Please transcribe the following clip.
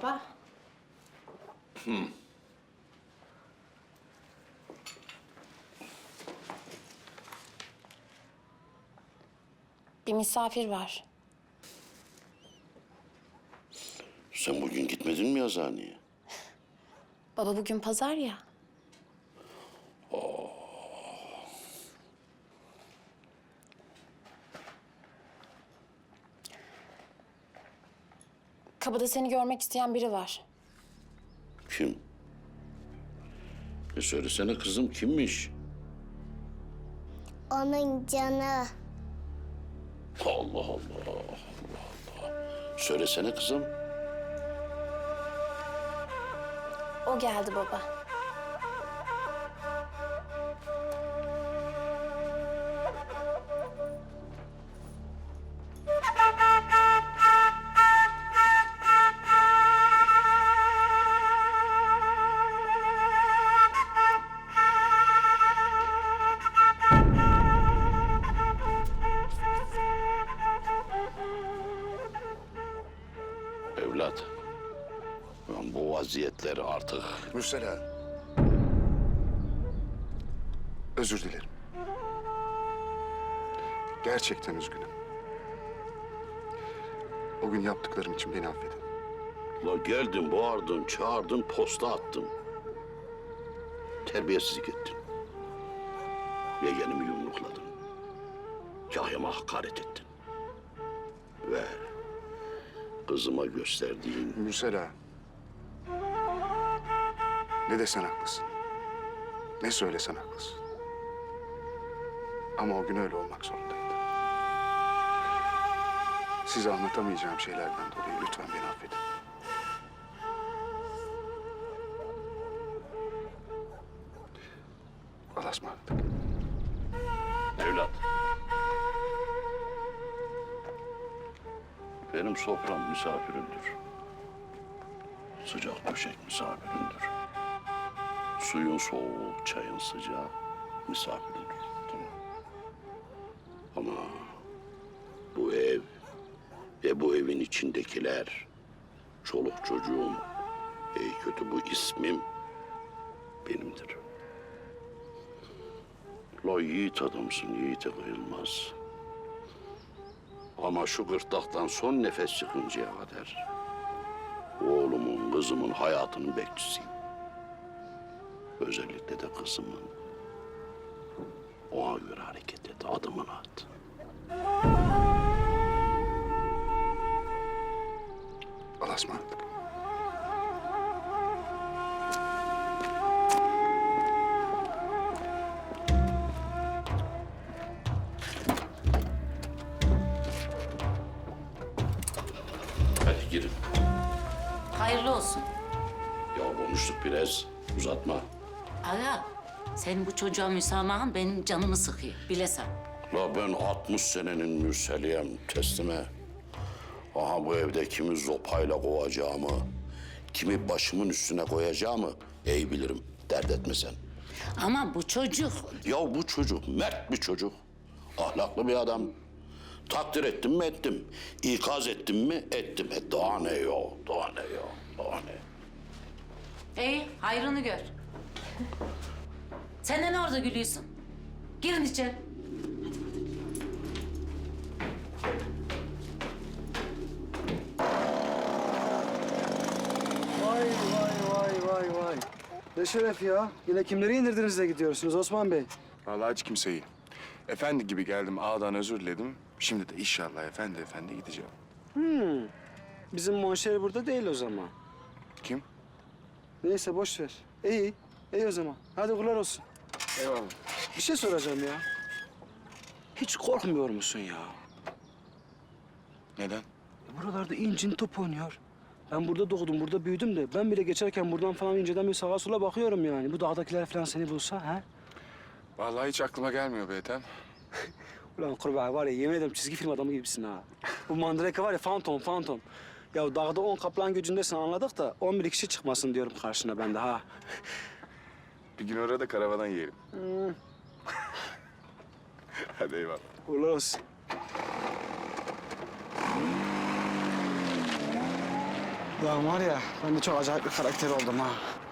baba. Bir misafir var. Sen bugün gitmedin mi yazıhaneye? Baba bugün pazar ya. Kapıda seni görmek isteyen biri var. Kim? Söylesene kızım, kimmiş? Onun canı. Allah Allah, Allah Allah. Söylesene kızım. O geldi baba. Evlat, ben bu vaziyetleri artık... Mürsela. Özür dilerim. Gerçekten üzgünüm. O gün yaptıklarım için beni affedin. La geldin, bağırdın, çağırdın, posta attın. Terbiyesizlik ettin. Yeğenimi yumrukladın. Kahyama hakaret ettin. Ve kızıma gösterdiğin... Mürsela. Ne desen haklısın. Ne söylesen haklısın. Ama o gün öyle olmak zorundaydı. Size anlatamayacağım şeylerden dolayı lütfen beni affedin. Allah'a ısmarladık. Evlat. Benim sofram misafirimdir. Sıcak döşek misafirimdir. Suyun soğuk, çayın sıcağı misafirimdir. Tamam. Ama bu ev ve bu evin içindekiler, çoluk çocuğum, iyi kötü bu ismim benimdir. La yiğit adamsın, yiğite kıyılmaz. Ama şu gırtlaktan son nefes çıkıncaya kadar oğlumun, kızımın hayatının bekçisiyim. Özellikle de kızımın. Ona göre hareket et, adımını at. Allah'a ısmarladık. Hadi girin. Hayırlı olsun. Ya konuştuk biraz, uzatma. Aga, senin bu çocuğa müsamahın benim canımı sıkıyor, bilesen. La ben 60 senenin mürseliyem, teslime. Aha bu evde kimi zopayla kovacağımı, kimi başımın üstüne koyacağımı iyi bilirim. Dert etme sen. Ama bu çocuk... Ya bu çocuk mert bir çocuk. Ahlaklı bir adam. Takdir ettim mi ettim. İkaz ettim mi ettim. Daha ne yok, daha ne yok, daha ne. İyi, hayrını gör. Sen de ne orada gülüyorsun? Girin içeri. Vay vay. Ne şeref ya. Yine kimleri indirdiniz de gidiyorsunuz Osman Bey? Vallahi hiç kimseyi. Efendi gibi geldim, ağadan özür diledim. Şimdi de inşallah efendi gideceğim. Bizim monşer burada değil o zaman. Kim? Neyse boş ver. İyi o zaman. Hadi kullar olsun. Eyvallah. Bir şey soracağım ya. Hiç korkmuyor musun ya? Neden? Buralarda incin top oynuyor. Ben burada doğdum, burada büyüdüm de ben bile geçerken buradan falan inceden bir sağa sola bakıyorum yani. Bu dağdakiler falan seni bulsa ha? Vallahi hiç aklıma gelmiyor be Ethem. Ulan kurbağa var ya yemin ederim çizgi film adamı gibisin ha. Bu mandrake var ya fantom. Ya dağda 10 kaplan gücündesin anladık da 11 kişi çıkmasın diyorum karşına ben de ha. Bir gün orada karavadan yiyelim. Hadi eyvallah. Uğurlar olsun. Ya var ya ben de çok acayip bir karakter oldum ha.